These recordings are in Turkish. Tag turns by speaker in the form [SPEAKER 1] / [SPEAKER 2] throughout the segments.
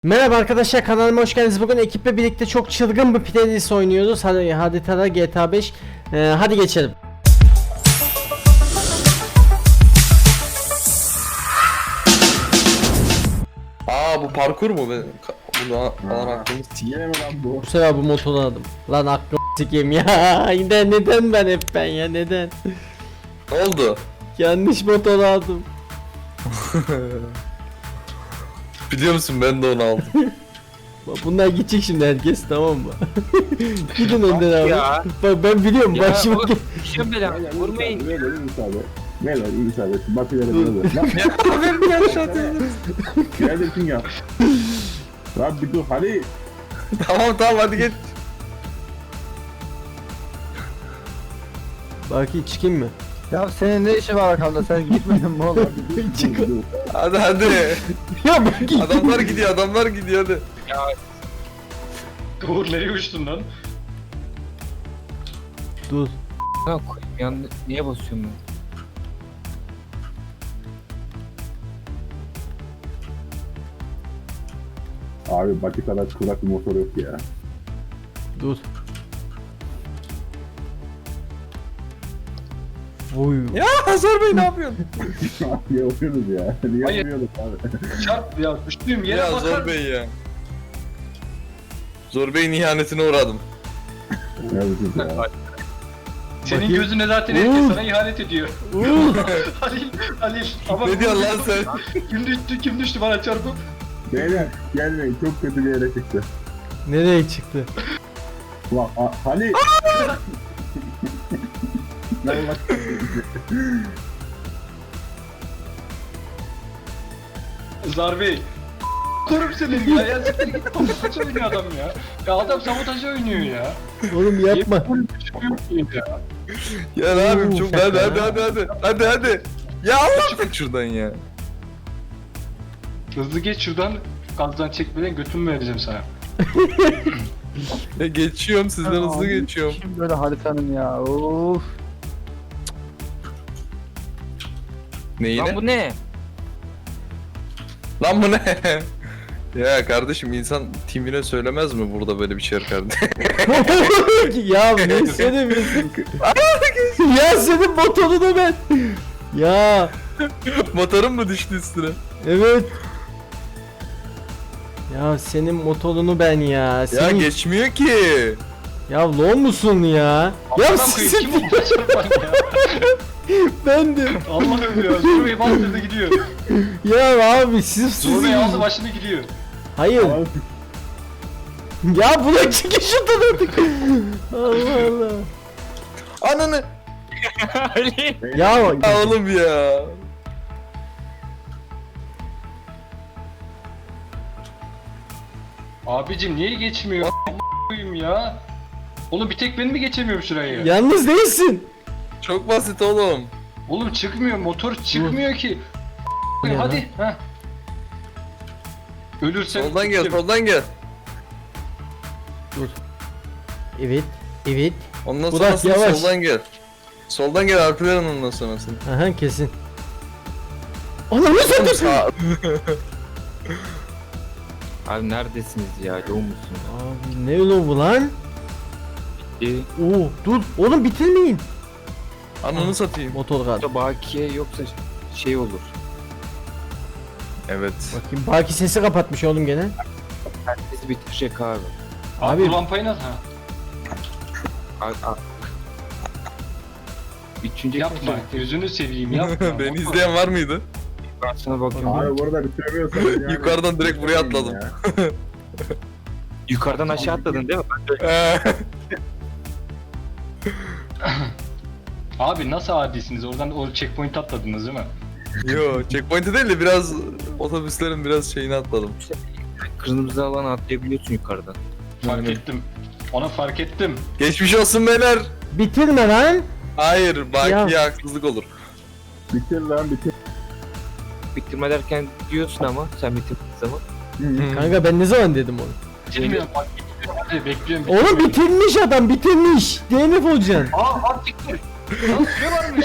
[SPEAKER 1] Merhaba arkadaşlar, kanalıma hoş geldiniz. Bugün ekiple birlikte çok çılgın bir playlist oynuyoruz. Hadi tada GTA 5. Hadi geçelim.
[SPEAKER 2] Bu parkur mu? Bunu falan aklımı
[SPEAKER 3] Yine mi lan bu?
[SPEAKER 1] Bu sefer bu motoru aldım. Lan aklım sikeyim ya. Neden ben hep ben ya, neden?
[SPEAKER 2] Ne oldu?
[SPEAKER 1] Yanlış motoru aldım.
[SPEAKER 2] Biliyor musun, ben de onu aldım.
[SPEAKER 1] Bak, bunlar gidecek şimdi herkes, tamam mı? Gidin önden abi.
[SPEAKER 4] ya.
[SPEAKER 1] Bak ben biliyorum
[SPEAKER 4] Ya
[SPEAKER 1] başıma.
[SPEAKER 4] bu işin bela. Vurmayın.
[SPEAKER 3] Ver müsaade. Ver müsaade. Bakıyorum böyle. Lan
[SPEAKER 2] Ben bir aşağı dedim.
[SPEAKER 3] neredesin ya? Lan bir dur hadi.
[SPEAKER 2] Tamam hadi geç.
[SPEAKER 1] Baki çıkayım mı?
[SPEAKER 5] Ya senin ne işin var arkamda, sen gitmedin mi oğlum?
[SPEAKER 1] Çık.
[SPEAKER 2] Hadi.
[SPEAKER 1] Ya Baki.
[SPEAKER 2] Adamlar gidiyor hadi.
[SPEAKER 6] Uğur nereye uçtun lan?
[SPEAKER 1] Dur.
[SPEAKER 4] Ha koyayım yandı. Niye basıyorum ben?
[SPEAKER 3] Abi Bakı kadar kulak bir motor yok ya.
[SPEAKER 1] Dur. Oy.
[SPEAKER 2] Ya Hazar Bey ne yapıyorsun?
[SPEAKER 3] Niye yapıyoruz ya? Niye
[SPEAKER 6] Hayır.
[SPEAKER 3] yapıyoruz abi?
[SPEAKER 6] Çarp ya düştüğüm yere
[SPEAKER 2] Ya
[SPEAKER 6] bakar.
[SPEAKER 2] Zor Bey ya. Zor Bey'in ihanetine uğradım.
[SPEAKER 3] Neredesin ya?
[SPEAKER 6] Senin
[SPEAKER 1] Bakayım.
[SPEAKER 6] gözüne zaten
[SPEAKER 1] Uğur.
[SPEAKER 6] herkes sana ihanet ediyor.
[SPEAKER 1] Uuu.
[SPEAKER 6] Halil. Ama
[SPEAKER 2] Ne diyorsun lan sen?
[SPEAKER 6] kim düştü bana çarpıp?
[SPEAKER 3] Beyler gelmeyin, çok kötü bir yere çıktı.
[SPEAKER 1] Nereye çıktı?
[SPEAKER 3] Ulan hani... Ne bak.
[SPEAKER 6] Zarbey. Korum senin ya. Ya siktir git. Sabotaj oynuyor adam ya. Ya adam sabotaj oynuyor ya.
[SPEAKER 1] Oğlum yapma.
[SPEAKER 6] Ya.
[SPEAKER 2] Ya ne yapayım, çok
[SPEAKER 1] şaka.
[SPEAKER 2] hadi. Ya Allah çık şuradan ya.
[SPEAKER 6] Hızlı geç şuradan. Gazdan çekmeden götümü vereceğim sana.
[SPEAKER 2] Ya geçiyorum, sizden hızlı geçiyorum.
[SPEAKER 5] Kim böyle haritanın ya, of.
[SPEAKER 2] Neyine?
[SPEAKER 4] Lan bu ne?
[SPEAKER 2] Lan bu ne? Ya kardeşim, insan timine söylemez mi burada böyle bir şey kardeşim?
[SPEAKER 1] Ya ne söylemiyorsun? Ya senin motorunu ben. Ya
[SPEAKER 2] Motorun mu düştü üstüne?
[SPEAKER 1] evet. Ya senin motorunu ben ya.
[SPEAKER 2] Ya
[SPEAKER 1] Senin...
[SPEAKER 2] geçmiyor ki.
[SPEAKER 1] Ya lo musun ya? Ya
[SPEAKER 6] Allah'ım
[SPEAKER 1] sizin
[SPEAKER 6] kim bu bana çarpan ya?
[SPEAKER 1] bendim.
[SPEAKER 6] Allah'ım ya. Zor bastırdı gidiyor.
[SPEAKER 1] Ya abi siz
[SPEAKER 6] Zor aldı başını gidiyor.
[SPEAKER 1] Hayır. Ya buna çıkış şuradan artık. Allah Allah.
[SPEAKER 2] Ananı.
[SPEAKER 1] Ya
[SPEAKER 2] Ya oğlum ya.
[SPEAKER 6] Abicim niye geçmiyor? A**ayım ya. Oğlum bir tek ben mi geçemiyorum şurayı?
[SPEAKER 1] yalnız değilsin.
[SPEAKER 2] Çok basit oğlum.
[SPEAKER 6] Oğlum çıkmıyor, motor çıkmıyor ki.
[SPEAKER 1] Ya.
[SPEAKER 6] Hadi. Heh. Ölürsem
[SPEAKER 2] Soldan gel,
[SPEAKER 6] gittim.
[SPEAKER 2] soldan gel.
[SPEAKER 1] Evet. Evet.
[SPEAKER 2] Ondan
[SPEAKER 1] Burak,
[SPEAKER 2] sonrasını
[SPEAKER 1] yavaş.
[SPEAKER 2] soldan gel. Soldan gel, Alperen ondan sonrasını.
[SPEAKER 1] Aha kesin. Ananı satayım.
[SPEAKER 2] Sağ.
[SPEAKER 4] Abi neredesiniz ya? Yoğun musun?
[SPEAKER 1] Abi ne öyle bu lan? Oo dur oğlum bitirmeyin.
[SPEAKER 2] Ananı satayım.
[SPEAKER 1] Motor kaldı.
[SPEAKER 4] Burada bakiye yoksa şey olur.
[SPEAKER 2] Evet.
[SPEAKER 1] Bakayım Baki sesi kapatmış oğlum gene.
[SPEAKER 4] Herkes bitirecek abi.
[SPEAKER 6] Abi
[SPEAKER 1] Abi-
[SPEAKER 6] bu lampayı nasıl? Ha.
[SPEAKER 4] Abi. Üçüncü
[SPEAKER 6] Yapma. Gözünü seveyim yapma.
[SPEAKER 2] Beni izleyen var mıydı?
[SPEAKER 4] Ben sana bakıyorum.
[SPEAKER 3] Abi burada bitiremiyorsanız yani.
[SPEAKER 2] Yukarıdan direkt buraya atladım.
[SPEAKER 3] Ya.
[SPEAKER 4] Yukarıdan aşağı atladın değil mi?
[SPEAKER 6] Abi nasıl adisiniz? Oradan o checkpoint atladınız değil mi?
[SPEAKER 2] Yo, checkpoint'e değil de biraz otobüslerin biraz şeyini atladım.
[SPEAKER 4] Kırmızı alana atlayabiliyorsun yukarıdan.
[SPEAKER 6] Fark
[SPEAKER 2] Aynen.
[SPEAKER 6] ettim. Ona fark ettim.
[SPEAKER 2] Geçmiş olsun beyler.
[SPEAKER 1] Bitirme lan.
[SPEAKER 2] Hayır, Baki'ye
[SPEAKER 1] Ya.
[SPEAKER 2] haksızlık olur.
[SPEAKER 3] Bitir lan bitir.
[SPEAKER 4] Bitirme derken diyorsun ama sen bitirdiğin zaman.
[SPEAKER 1] Kanka ben ne zaman dedim onu?
[SPEAKER 6] Bilmiyorum fark ettim. Hadi bekliyorum.
[SPEAKER 1] Oğlum bitirmiş adam bitirmiş. DNF olacaksın.
[SPEAKER 6] Aa siktir. Lan süre varmış.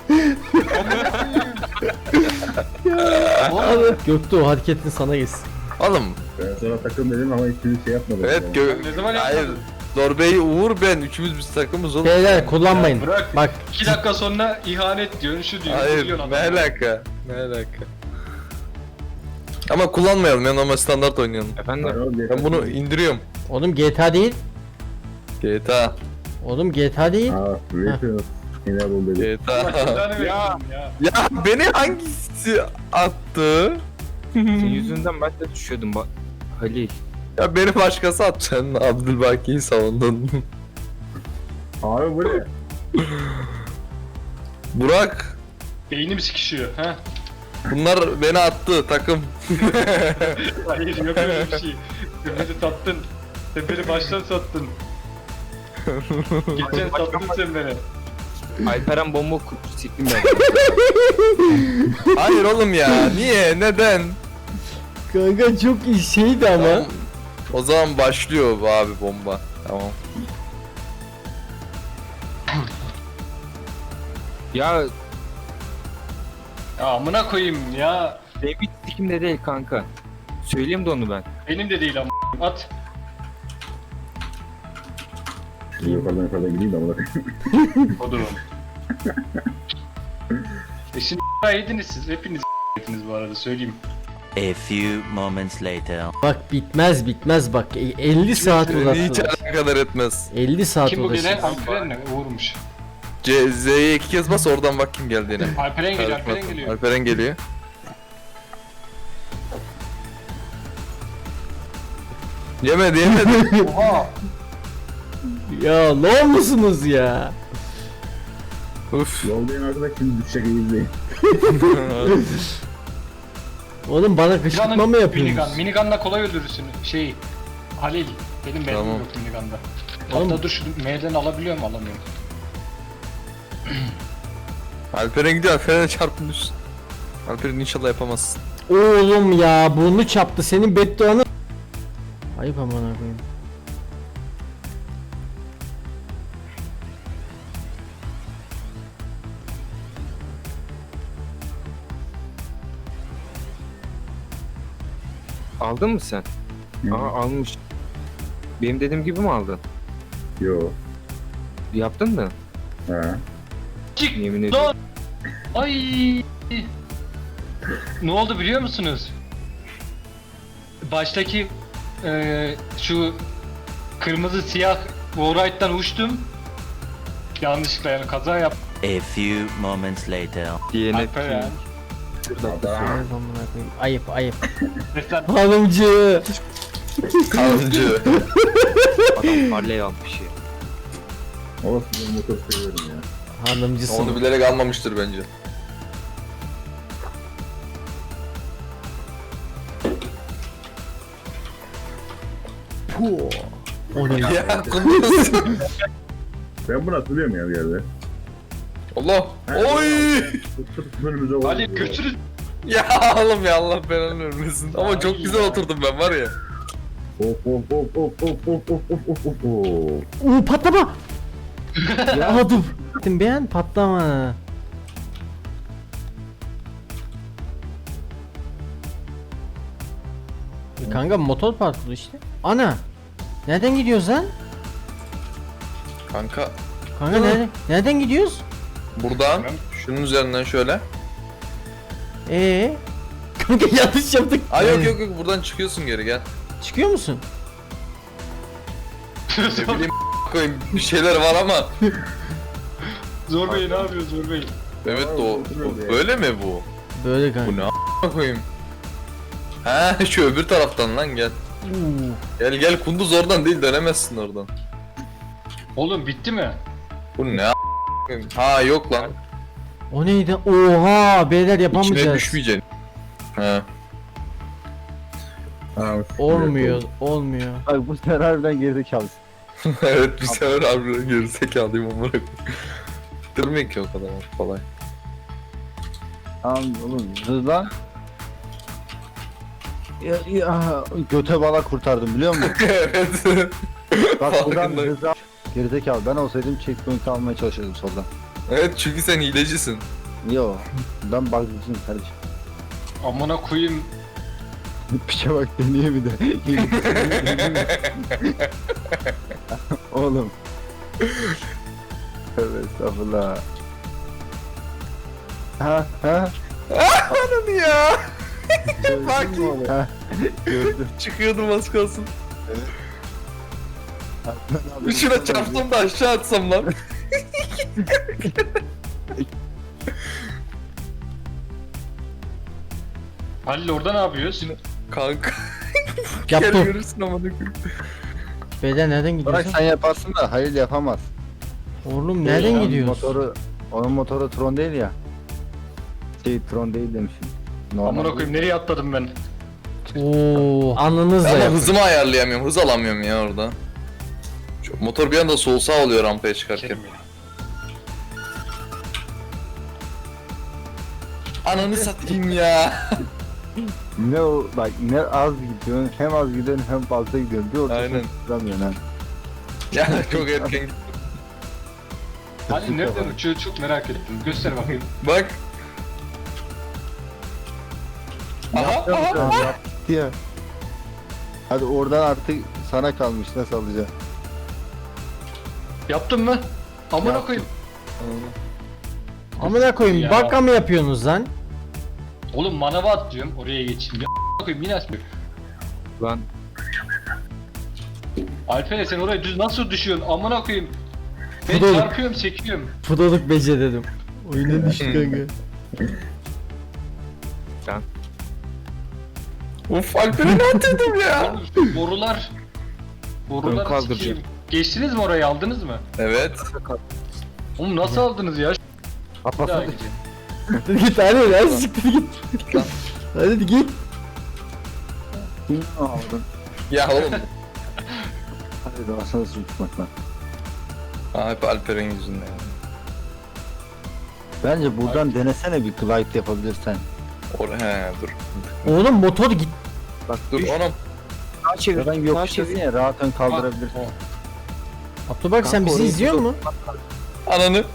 [SPEAKER 1] Abi, Göktuğ o hareketin sana geçsin.
[SPEAKER 2] Oğlum
[SPEAKER 3] Ben sana takım dedim ama hiçbir şey yapmadım.
[SPEAKER 2] evet
[SPEAKER 6] Ne zaman
[SPEAKER 2] hayır.
[SPEAKER 6] yapmadın?
[SPEAKER 2] Zorbey, Uğur, ben üçümüz biz takımız oğlum.
[SPEAKER 1] Beyler kullanmayın.
[SPEAKER 6] Ya bırak.
[SPEAKER 1] Bak
[SPEAKER 6] 2 dakika sonra ihanet diyorsun, şu diyorsun, bu
[SPEAKER 2] Hayır
[SPEAKER 6] diyorsun
[SPEAKER 2] ne
[SPEAKER 6] adama.
[SPEAKER 2] alaka? Ne alaka? Ama kullanmayalım ya, normal standart oynayalım.
[SPEAKER 4] Efendim?
[SPEAKER 2] Ben bunu indiriyorum.
[SPEAKER 1] oğlum GTA değil.
[SPEAKER 2] GTA.
[SPEAKER 1] Oğlum GTA değil.
[SPEAKER 3] Aa, Rachel. Yine bu dedi.
[SPEAKER 6] Allah
[SPEAKER 2] GTA.
[SPEAKER 6] cezanı versin ya.
[SPEAKER 2] Ya beni hangisi attı?
[SPEAKER 4] Senin yüzünden ben de düşüyordum bak. Halil.
[SPEAKER 2] Ya beni başkası attı. Sen Abdülbaki'yi savundun.
[SPEAKER 3] Abi bu ne?
[SPEAKER 2] Burak.
[SPEAKER 6] Beynim sikişiyor. Ha?
[SPEAKER 2] Bunlar beni attı takım.
[SPEAKER 6] Hayır yok öyle bir şey. Sen beni sattın. Sen beni baştan sattın. Geçen sattın sen beni.
[SPEAKER 4] Alperen bomba siktim ben.
[SPEAKER 2] Hayır oğlum ya. Niye? Neden?
[SPEAKER 1] Kanka çok iyi şeydi ama.
[SPEAKER 2] Tamam. O zaman başlıyor bu abi bomba. Tamam.
[SPEAKER 4] Ya
[SPEAKER 6] Ya amına koyayım ya.
[SPEAKER 4] David sikimde değil kanka. Söyleyeyim de onu ben.
[SPEAKER 6] Benim de değil ama. At.
[SPEAKER 3] Yukarıdan gideyim de bunu.
[SPEAKER 6] Odur onu. Şimdi yediniz siz. Hepiniz yediniz bu arada söyleyeyim.
[SPEAKER 7] A few moments later.
[SPEAKER 1] Bak bitmez bak 50 saat
[SPEAKER 2] Hiç
[SPEAKER 1] uğraştılar.
[SPEAKER 2] alakadar etmez.
[SPEAKER 1] 50 saat
[SPEAKER 6] Kim bu gelen?
[SPEAKER 1] uğraştılar.
[SPEAKER 6] Alperen mi? Uğurmuş.
[SPEAKER 2] Z'ye 2 kez bas, oradan bak kim geldiğine.
[SPEAKER 6] Alperen geliyor, Alperen geliyor.
[SPEAKER 2] Alperen geliyor. Yemedi.
[SPEAKER 6] Oha!
[SPEAKER 1] Ya ne olmuşsunuz ya?
[SPEAKER 2] Uf.
[SPEAKER 3] Yoldayım arkadaş şimdi düşecek izleyin.
[SPEAKER 1] Oğlum bana kışkırtma mı
[SPEAKER 6] Minigun.
[SPEAKER 1] yapıyorsunuz?
[SPEAKER 6] Minigun'la kolay öldürürsün. Halil. Benim mermim
[SPEAKER 1] Tamam.
[SPEAKER 6] yok Minigun'da.
[SPEAKER 1] Oğlum-
[SPEAKER 6] Hatta dur şu M'den alabiliyor mu? Alamıyorum.
[SPEAKER 2] Alperen gidiyor, Alperen'e çarpın düşsün. Alperen inşallah yapamazsın.
[SPEAKER 1] Oğlum ya burnu çaptı senin bedduanı. Ayıp aman koyayım.
[SPEAKER 4] Aldın mı sen? Aa almış. Benim dediğim gibi mi aldın?
[SPEAKER 3] Yo.
[SPEAKER 4] Yaptın mı?
[SPEAKER 3] Ha.
[SPEAKER 6] Çık!
[SPEAKER 4] Yemin ediyorum.
[SPEAKER 6] Lan! Ay! Ne oldu biliyor musunuz? Baştaki şu kırmızı siyah Warright'tan uçtum. Yanlışlıkla yani kaza yaptım.
[SPEAKER 7] A few moments later.
[SPEAKER 4] DNF.
[SPEAKER 6] Alperen.
[SPEAKER 1] Ayıp amına koyayım. Ayıp.
[SPEAKER 6] Mesela
[SPEAKER 1] Hanımcı.
[SPEAKER 2] Kalıcı.
[SPEAKER 4] Adam Harley almış ya.
[SPEAKER 3] Olsun ben motor seviyorum ya.
[SPEAKER 1] Hanımcısın.
[SPEAKER 2] Onu bilerek almamıştır bence.
[SPEAKER 1] Puh. O ne ya?
[SPEAKER 2] Ya kunduz.
[SPEAKER 3] Ben bunu hatırlıyorum ya bir yerde.
[SPEAKER 2] Allah. Oy.
[SPEAKER 3] Tutup önümüze oldu.
[SPEAKER 6] Halil götürün.
[SPEAKER 2] Ya oğlum ya, Allah belanı vermesin. Ama çok güzel oturdum ben var ya.
[SPEAKER 3] Of.
[SPEAKER 1] Patlama. Ya dur. Beğen patlama. Kanka motor parkuru işte. Ana. Nereden gidiyoruz lan?
[SPEAKER 2] Kanka
[SPEAKER 1] Kanka nereden gidiyoruz?
[SPEAKER 2] buradan şunun üzerinden şöyle.
[SPEAKER 1] Kanka yanlış yaptık.
[SPEAKER 2] Ay yok buradan çıkıyorsun geri, gel.
[SPEAKER 1] Çıkıyor musun?
[SPEAKER 2] Ne bileyim koyayım, bir şeyler var ama.
[SPEAKER 6] Zor Bey ne yapıyor Zor Bey?
[SPEAKER 2] Evet o böyle mi bu?
[SPEAKER 1] Böyle kanka.
[SPEAKER 2] Bu ne koyayım? He şu öbür taraftan lan gel. Gel kunduz, oradan değil, dönemezsin oradan.
[SPEAKER 6] Oğlum bitti mi?
[SPEAKER 2] Bu ne koyayım? Ha yok lan.
[SPEAKER 1] O neydi? Oha beyler
[SPEAKER 2] İçine
[SPEAKER 1] yapamayacağız.
[SPEAKER 2] düşmeyeceksin. He.
[SPEAKER 1] Olmuyor.
[SPEAKER 5] Bak bu sefer harbiden gerizekalısın.
[SPEAKER 2] Evet bir sefer harbiden gerizekalıyım amına koyayım. Bitirmek ki o kadar kolay.
[SPEAKER 5] Tamam oğlum hızlan. Ya, göte bala kurtardım biliyor musun?
[SPEAKER 2] Evet.
[SPEAKER 5] Bak buradan
[SPEAKER 2] Farkındayım.
[SPEAKER 5] hızlan. Gerizekalı ben olsaydım checkpoint almaya çalışırdım soldan.
[SPEAKER 2] Evet çünkü sen hilecisin.
[SPEAKER 5] Yo ben bug'cısın kardeşim.
[SPEAKER 6] Amına koyayım.
[SPEAKER 5] Piçe bak deniyor bir de. Oğlum. Tövbe estağfurullah. Ha ha.
[SPEAKER 2] Ananı ya.
[SPEAKER 5] Gördün mü oğlum? Ha, gördüm.
[SPEAKER 2] Çıkıyordum az kalsın. Şuna çarptım da aşağı atsam lan.
[SPEAKER 6] Halil orada ne yapıyorsun?
[SPEAKER 2] Kanka. Gel
[SPEAKER 1] Yaptım.
[SPEAKER 2] görürsün amına koyayım.
[SPEAKER 1] Beyler nereden
[SPEAKER 5] Bırak
[SPEAKER 1] gidiyorsun?
[SPEAKER 5] sen yaparsın da Halil yapamaz.
[SPEAKER 1] Oğlum nereden
[SPEAKER 5] Onun
[SPEAKER 1] gidiyorsun?
[SPEAKER 5] Onun motoru Tron değil ya. Tron değil demişim.
[SPEAKER 6] Amına koyayım nereye atladım ben?
[SPEAKER 1] Oo, alnınızla
[SPEAKER 2] Ama
[SPEAKER 1] yapın.
[SPEAKER 2] hızımı ayarlayamıyorum. Hız alamıyorum ya orada. Şu motor bir anda sol sağ oluyor rampaya çıkarken.
[SPEAKER 6] Kerim ya.
[SPEAKER 2] Ananı satayım ya.
[SPEAKER 5] Ne o bak ne az gidiyorsun hem az gidiyorsun hem fazla gidiyorsun. Bir ortasını
[SPEAKER 2] Aynen.
[SPEAKER 5] tutamıyorsun ha.
[SPEAKER 2] Ya çok erken.
[SPEAKER 6] Halil nereden uçuyor çok merak ettim. Göster bakayım.
[SPEAKER 2] Bak. Aha
[SPEAKER 5] Yapacağım
[SPEAKER 2] aha.
[SPEAKER 5] sen, yaptı ya. Hadi oradan artık sana kalmış nasıl alacaksın?
[SPEAKER 6] Yaptın mı? Amına
[SPEAKER 5] Yaptım.
[SPEAKER 6] koyayım.
[SPEAKER 1] Amına koyayım
[SPEAKER 6] Ya.
[SPEAKER 1] baka mı yapıyorsunuz lan?
[SPEAKER 6] Oğlum manava at diyorum oraya geçeyim. Ya amına koyayım yine açmıyor.
[SPEAKER 4] Lan
[SPEAKER 6] Alper sen oraya düz nasıl düşüyorsun? Amına koyayım. Ben
[SPEAKER 1] Fudol.
[SPEAKER 6] çarpıyorum çekiyorum.
[SPEAKER 1] Pudoluk beceririm. Oyuna düştü kanka.
[SPEAKER 2] Uf Alper'e ne atıyordum ya?
[SPEAKER 6] Oğlum, borular.
[SPEAKER 4] Ön
[SPEAKER 6] Borular
[SPEAKER 4] kaldırıcı.
[SPEAKER 6] sikeyim. Geçtiniz mi orayı aldınız mı?
[SPEAKER 2] Evet.
[SPEAKER 6] Oğlum nasıl aldınız ya? Bir daha
[SPEAKER 5] Kapatsana.
[SPEAKER 6] gideceğim.
[SPEAKER 1] Git hadi hadi siktir git. Hadi git.
[SPEAKER 5] Kim aldın?
[SPEAKER 2] Ya oğlum.
[SPEAKER 5] Hadi de asana suçmak lan.
[SPEAKER 2] Aa, hep Alper'in yüzünden.
[SPEAKER 5] Bence buradan denesene bir glide yapabilirsen.
[SPEAKER 2] He dur.
[SPEAKER 1] Oğlum motor git.
[SPEAKER 4] bak
[SPEAKER 2] Dur
[SPEAKER 4] düş.
[SPEAKER 2] oğlum.
[SPEAKER 4] Sağa çevir.
[SPEAKER 5] Buradan
[SPEAKER 4] Sağa
[SPEAKER 5] yokuştasın
[SPEAKER 4] çevir.
[SPEAKER 5] ya rahat ön kaldırabilirsin.
[SPEAKER 1] Abdülbak sen
[SPEAKER 4] Kanka,
[SPEAKER 1] bizi
[SPEAKER 4] orayı
[SPEAKER 1] izliyor
[SPEAKER 4] tut.
[SPEAKER 1] mu?
[SPEAKER 2] Ananı.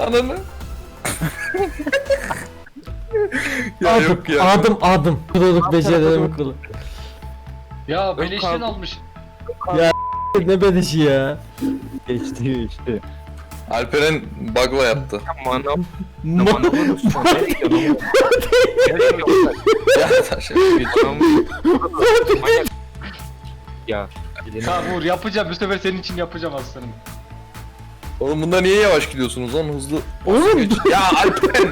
[SPEAKER 2] Ya yok ya.
[SPEAKER 1] Adım. Pudoluk beceririm kulu.
[SPEAKER 6] Ya beleşten
[SPEAKER 4] kaldı.
[SPEAKER 6] almış.
[SPEAKER 1] Ne bedişi ya.
[SPEAKER 5] Geçti işte.
[SPEAKER 2] Alperen bug'la yaptı.
[SPEAKER 4] Manam.
[SPEAKER 1] Mo-
[SPEAKER 4] Manamın üstüne. Nereye gidiyorsun? Nereye gidiyorsun?
[SPEAKER 2] Ya taş geç.
[SPEAKER 4] Manyak. Ya. elini-
[SPEAKER 6] Tamam Uğur yapacağım. Bu sefer senin için yapacağım aslanım.
[SPEAKER 2] Oğlum bunda niye yavaş gidiyorsunuz lan hızlı?
[SPEAKER 1] Oğlum
[SPEAKER 2] Ya Alperen.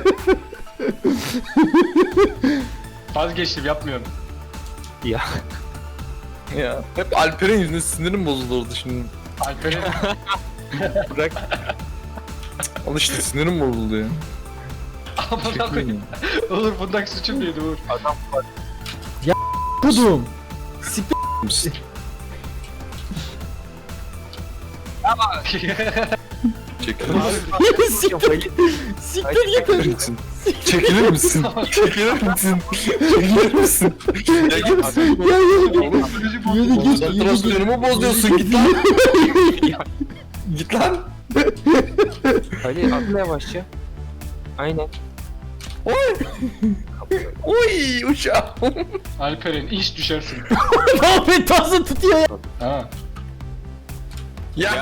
[SPEAKER 6] Vazgeçtim yapmıyorum.
[SPEAKER 4] Ya.
[SPEAKER 2] Ya hep Alper'in yüzünden sinirim bozuldu orada şimdi.
[SPEAKER 6] Alper'in
[SPEAKER 2] Bırak. Al işte sinirim bozuldu ya.
[SPEAKER 6] amına koyayım. Uğur bundaki suçum neydi Uğur?
[SPEAKER 1] kudum.
[SPEAKER 2] Çekilir
[SPEAKER 1] Siktir git.
[SPEAKER 2] misin? Çekilir misin? Çekilir misin? Çekilir misin? Ya git.
[SPEAKER 1] Ya yürü git.
[SPEAKER 6] Psikoloji
[SPEAKER 1] Yürü
[SPEAKER 6] bozuldu.
[SPEAKER 1] git.
[SPEAKER 2] Konsantrasyonumu bozuyorsun git lan. Git lan.
[SPEAKER 4] Hadi atla yavaşça. Aynen.
[SPEAKER 2] Oy uçağım.
[SPEAKER 6] Alper'in iş düşersin.
[SPEAKER 1] Ne yapayım tasın tutuyor ya.
[SPEAKER 6] Ha.
[SPEAKER 2] Ya.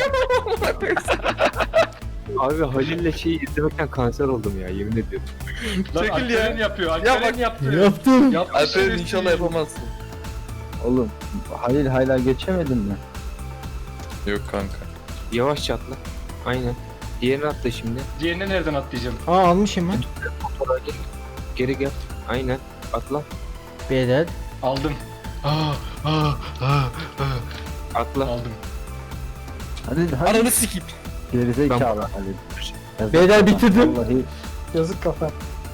[SPEAKER 4] Abi Halil'le şeyi izlemekten kanser oldum ya yemin ediyorum.
[SPEAKER 6] Lan
[SPEAKER 2] Çekil
[SPEAKER 6] Alper'in
[SPEAKER 2] ya.
[SPEAKER 6] yapıyor.
[SPEAKER 2] Ya
[SPEAKER 6] Alper'in
[SPEAKER 2] bak-
[SPEAKER 6] yaptı.
[SPEAKER 1] Yaptım.
[SPEAKER 6] Yaptı,
[SPEAKER 2] Alperen
[SPEAKER 6] şerefsiz.
[SPEAKER 2] inşallah yapamazsın.
[SPEAKER 5] Oğlum Halil hala geçemedin mi?
[SPEAKER 2] Yok kanka.
[SPEAKER 4] Yavaşça atla. Aynen. Diğerini atla şimdi.
[SPEAKER 6] Diğerine nereden atlayacağım?
[SPEAKER 1] Aa almışım ben.
[SPEAKER 4] Motora gel. Geri gel. Aynen. Atla.
[SPEAKER 1] Beyler.
[SPEAKER 6] Aldım.
[SPEAKER 4] Atla.
[SPEAKER 6] Aldım.
[SPEAKER 5] Hadi hadi.
[SPEAKER 2] Ananı sikeyim.
[SPEAKER 5] Gerizekalı Halil. Yazık
[SPEAKER 1] Beyler
[SPEAKER 5] kafa,
[SPEAKER 1] bitirdim.
[SPEAKER 5] Vallahi
[SPEAKER 1] Yazık kafa.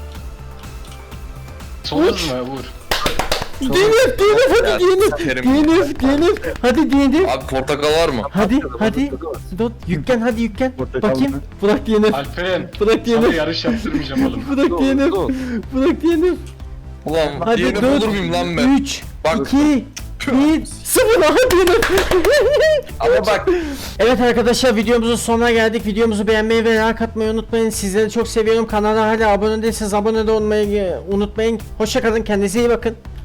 [SPEAKER 6] Son hız mı Uğur?
[SPEAKER 1] DNF
[SPEAKER 2] Ya,
[SPEAKER 1] hadi
[SPEAKER 2] sikerim.
[SPEAKER 1] DNF hadi DNF.
[SPEAKER 2] Abi portakal var mı?
[SPEAKER 1] Hadi. Dur yüklen hadi yüklen.
[SPEAKER 5] Portakal
[SPEAKER 1] Bakayım.
[SPEAKER 5] mı?
[SPEAKER 1] Bırak DNF.
[SPEAKER 6] Alperen.
[SPEAKER 1] Bırak
[SPEAKER 6] Sana
[SPEAKER 1] DNF.
[SPEAKER 6] yarış yaptırmayacağım oğlum.
[SPEAKER 1] Bırak
[SPEAKER 4] Dur,
[SPEAKER 1] DNF.
[SPEAKER 4] dur.
[SPEAKER 1] Bırak DNF.
[SPEAKER 2] Ulan
[SPEAKER 1] Hadi
[SPEAKER 2] DNF
[SPEAKER 1] 4,
[SPEAKER 2] olur muyum lan ben?
[SPEAKER 1] 3,
[SPEAKER 2] Bak
[SPEAKER 1] 2, 1, 0 aha DNF.
[SPEAKER 2] ama bak.
[SPEAKER 1] Evet arkadaşlar videomuzun sonuna geldik. Videomuzu beğenmeyi ve like atmayı unutmayın. Sizleri çok seviyorum. Kanala hala abone değilseniz abone de olmayı unutmayın. Hoşça kalın. Kendinize iyi bakın.